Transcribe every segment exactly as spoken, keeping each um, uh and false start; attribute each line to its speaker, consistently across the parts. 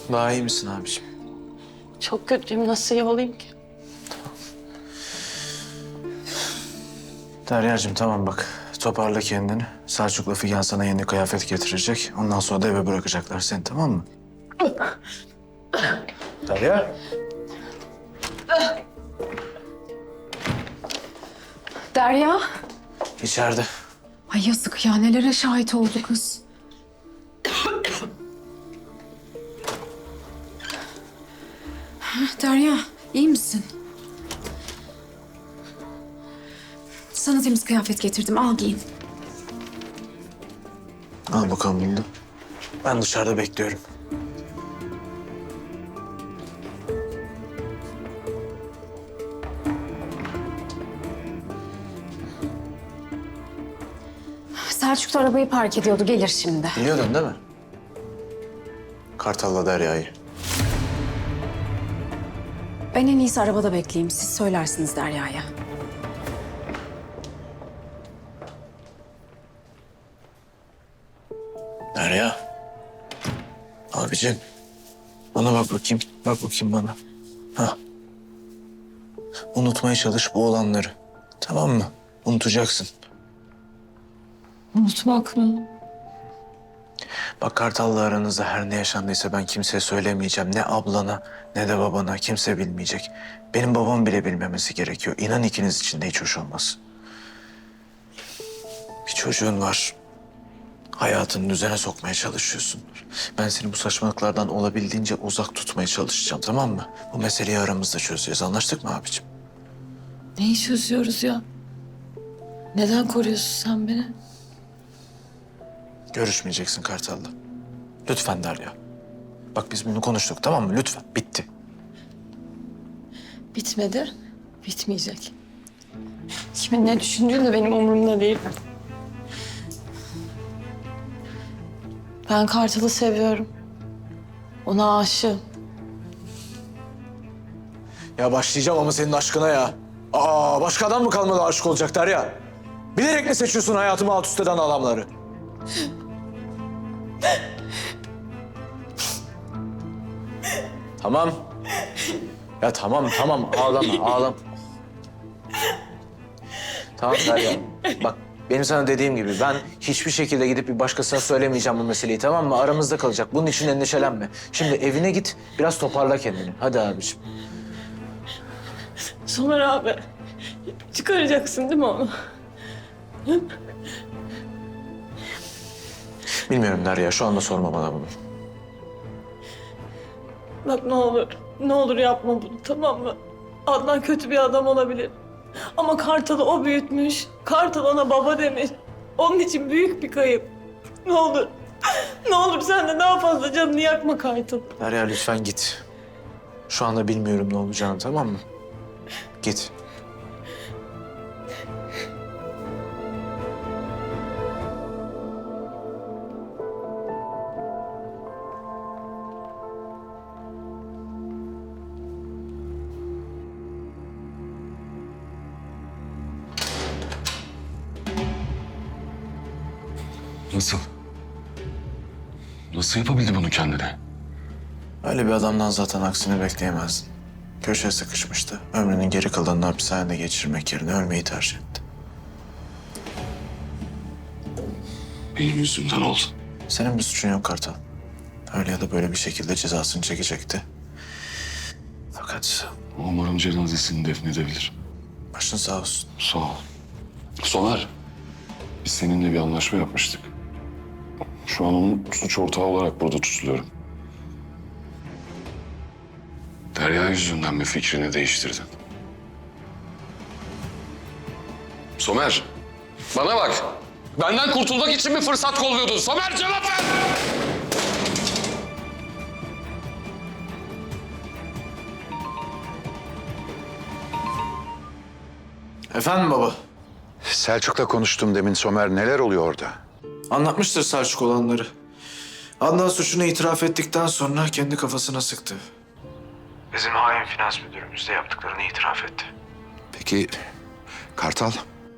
Speaker 1: Daha iyi misin abiciğim?
Speaker 2: Çok kötüyüm. Nasıl iyi olayım ki?
Speaker 1: Derya'cığım tamam bak. Toparla kendini. Selçuk'la Figen sana yeni kıyafet getirecek. Ondan sonra da eve bırakacaklar seni, tamam mı? Derya.
Speaker 3: Derya.
Speaker 1: İçeride.
Speaker 3: Ay yazık ya, nelere şahit oldu kız. Derya, iyi misin? Sana temiz kıyafet getirdim, al giyin.
Speaker 1: Al bakalım bunu da. Ben dışarıda bekliyorum.
Speaker 3: Selçuk da arabayı park ediyordu, gelir şimdi.
Speaker 1: Biliyordun değil mi? Kartal'la Derya'yı.
Speaker 3: Ben en iyisi arabada bekleyeyim, siz söylersiniz Derya'ya.
Speaker 1: Derya. Abicim. Bana bak bakayım. Bak bakayım bana. Ha. Unutmaya çalış bu olanları. Tamam mı? Unutacaksın.
Speaker 2: Unutmak mı?
Speaker 1: Bak Kartal'la aranızda her ne yaşandıysa ben kimseye söylemeyeceğim. Ne ablana ne de babana, kimse bilmeyecek. Benim babam bile bilmemesi gerekiyor. İnan ikiniz için de hiç hoş olmaz. Bir çocuğun var. Hayatını düzene sokmaya çalışıyorsun. Ben seni bu saçmalıklardan olabildiğince uzak tutmaya çalışacağım, tamam mı? Bu meseleyi aramızda çözeceğiz. Anlaştık mı abicim?
Speaker 2: Neyi çözüyoruz ya? Neden koruyorsun sen beni?
Speaker 1: Görüşmeyeceksin Kartal'la. Lütfen Derya. Bak biz bunu konuştuk, tamam mı? Lütfen. Bitti.
Speaker 2: Bitmedi, bitmeyecek. Kimin ne düşündüğü de benim umurumda değil. Ben Kartal'ı seviyorum. Ona aşığım.
Speaker 1: Ya başlayacağım ama senin aşkına ya. Aa, başka adam mı kalmadı aşık olacak Derya? Bilerek mi seçiyorsun hayatımı alt üst eden adamları? Tamam. Ya tamam, tamam. Ağlama, ağlama. Tamam Derya. Bak benim sana dediğim gibi ben hiçbir şekilde gidip bir başkasına söylemeyeceğim bu meseleyi, tamam mı? Aramızda kalacak. Bunun için endişelenme. Şimdi evine git, biraz toparla kendini. Hadi abiciğim.
Speaker 2: Somer abi, çıkaracaksın değil mi onu?
Speaker 1: Bilmiyorum Derya, şu anda sorma bana bunu.
Speaker 2: Bak ne olur, ne olur yapma bunu, tamam mı? Adnan kötü bir adam olabilir. Ama Kartal'ı o büyütmüş. Kartal ona baba demiş. Onun için büyük bir kayıp. Ne olur, ne olur sen de daha fazla canını yakma Kartal.
Speaker 1: Derya lütfen git. Şu anda bilmiyorum ne olacağını, tamam mı? Git.
Speaker 4: Nasıl? Nasıl yapabildi bunu kendine?
Speaker 1: Öyle bir adamdan zaten aksini bekleyemezdin. Köşeye sıkışmıştı. Ömrünün geri kalanını hapishanede geçirmek yerine ölmeyi tercih etti.
Speaker 4: Benim yüzümden oldu.
Speaker 1: Senin bir suçun yok Kartal. Öyle ya da böyle bir şekilde cezasını çekecekti. Fakat
Speaker 4: Umarım cenazesini defnedebilirim.
Speaker 1: başın sağ olsun.
Speaker 4: Sağ ol. Somer, biz seninle bir anlaşma yapmıştık. Şu an onun suç ortağı olarak burada tutuluyorum. Derya yüzünden mi fikrini değiştirdin? Somer, bana bak. Benden kurtulmak için bir fırsat kolluyordun. Somer cevap ver!
Speaker 1: Efendim baba?
Speaker 5: Selçuk'la konuştum demin Somer. Neler oluyor orada?
Speaker 1: Anlatmıştır Selçuk olanları. Adnan suçunu itiraf ettikten sonra kendi kafasına sıktı. Bizim hain finans müdürümüz de yaptıklarını itiraf etti.
Speaker 5: Peki Kartal?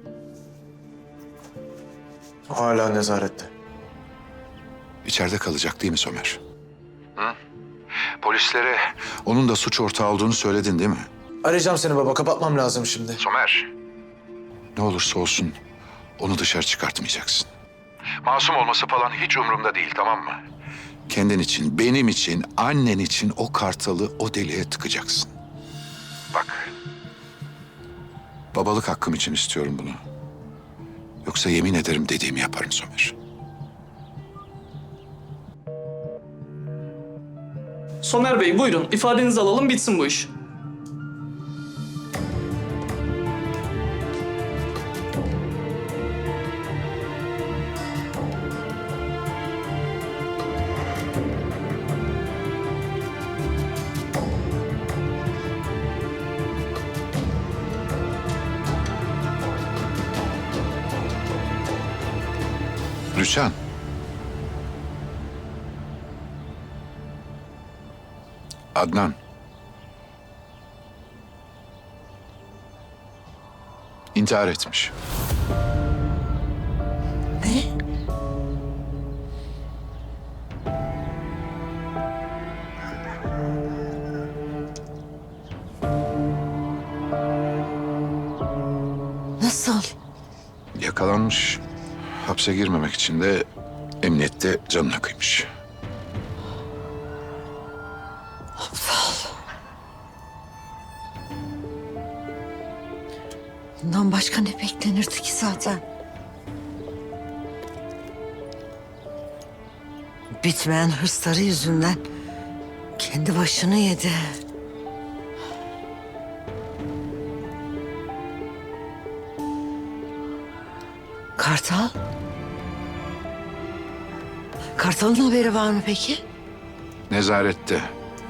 Speaker 1: O hala nezarette.
Speaker 5: İçeride kalacak değil mi Somer? Polislere onun da suç ortağı olduğunu söyledin değil mi?
Speaker 1: Arayacağım seni baba. Kapatmam lazım şimdi.
Speaker 5: Somer. Ne olursa olsun onu dışarı çıkartmayacaksın. Masum olması falan hiç umurumda değil, tamam mı? Kendin için, benim için, annen için o kartalı o deliğe tıkacaksın. Bak. Babalık hakkım için istiyorum bunu. Yoksa yemin ederim dediğimi yaparım Somer.
Speaker 6: Somer Bey buyurun ifadenizi alalım bitsin bu iş.
Speaker 5: Rüçhan. Adnan. İntihar etmiş.
Speaker 7: Nasıl?
Speaker 5: Yakalanmış. Hapse girmemek için de emniyette canına kıymış.
Speaker 7: Bundan başka ne beklenirdi ki zaten? Bitmeyen hırsları yüzünden kendi başını yedi. Kartal? Kartal'ın haberi var mı peki?
Speaker 5: Nezarette.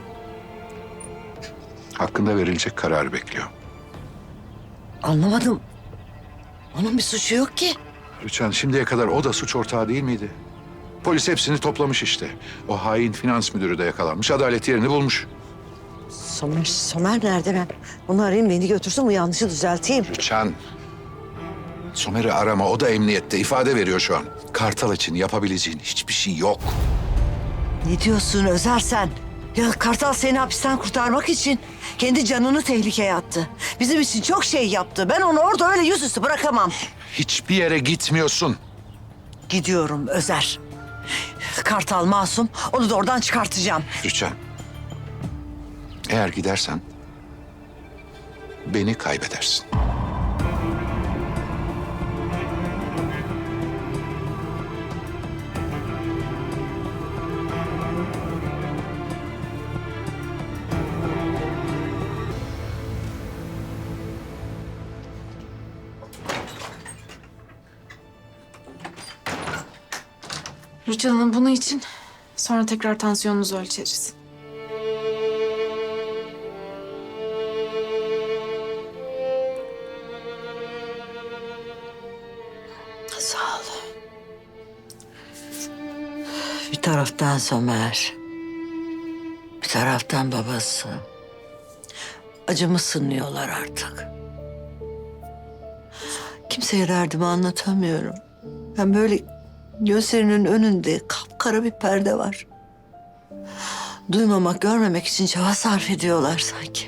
Speaker 5: Hakkında verilecek kararı bekliyor.
Speaker 7: Anlamadım. Onun bir suçu yok ki.
Speaker 5: Rüçhan, şimdiye kadar o da suç ortağı değil miydi? Polis hepsini toplamış işte. O hain finans müdürü de yakalanmış. Adalet yerini bulmuş.
Speaker 7: Somer, Somer nerede ben? Onu arayayım beni götürsün bu yanlışı düzelteyim.
Speaker 5: Rüçhan. Somer'i arama. O da emniyette. İfade veriyor şu an. Kartal için yapabileceğin hiçbir şey yok.
Speaker 7: Ne diyorsun Özer sen? Ya Kartal seni hapisten kurtarmak için kendi canını tehlikeye attı. Bizim için çok şey yaptı. Ben onu orada öyle yüzüstü bırakamam.
Speaker 5: Hiçbir yere gitmiyorsun.
Speaker 7: Gidiyorum Özer. Kartal masum. Onu da oradan çıkartacağım.
Speaker 5: Rüçhan. Eğer gidersen beni kaybedersin.
Speaker 3: Rüçhan Hanım bunu için sonra tekrar tansiyonunuzu ölçeriz.
Speaker 7: Sağ ol. Bir taraftan Somer. Bir taraftan babası. Acımı sınıyorlar artık. Kimseye derdimi anlatamıyorum. Ben böyle gözlerinin önünde kapkara bir perde var. Duymamak, görmemek için çaba sarf ediyorlar sanki.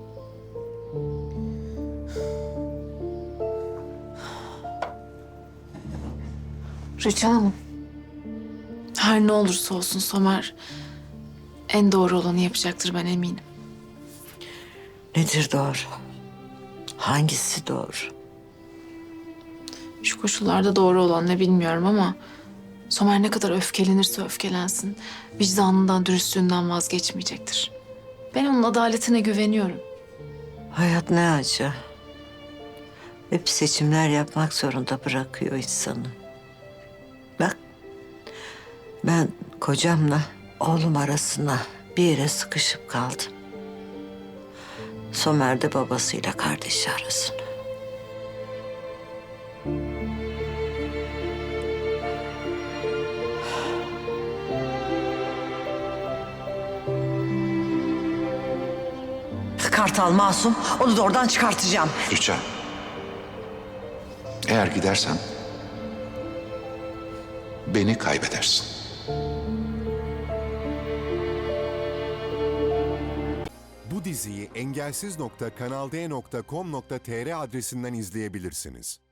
Speaker 3: Rüçhan Hanım. Her ne olursa olsun Somer en doğru olanı yapacaktır ben eminim.
Speaker 7: Nedir doğru? Hangisi doğru?
Speaker 3: Şu koşullarda doğru olan ne bilmiyorum ama Somer ne kadar öfkelenirse öfkelensin vicdanından, dürüstlüğünden vazgeçmeyecektir. Ben onun adaletine güveniyorum.
Speaker 7: Hayat ne acı. Hep seçimler yapmak zorunda bırakıyor insanı. Bak, ben kocamla oğlum arasına bir yere sıkışıp kaldım. Somer de babasıyla kardeşi arasına. Kartal masum, onu da oradan çıkartacağım.
Speaker 5: Rüçhan. Eğer gidersen beni kaybedersin.
Speaker 8: diziyi engelsiz nokta kanalde nokta com nokta tr adresinden izleyebilirsiniz.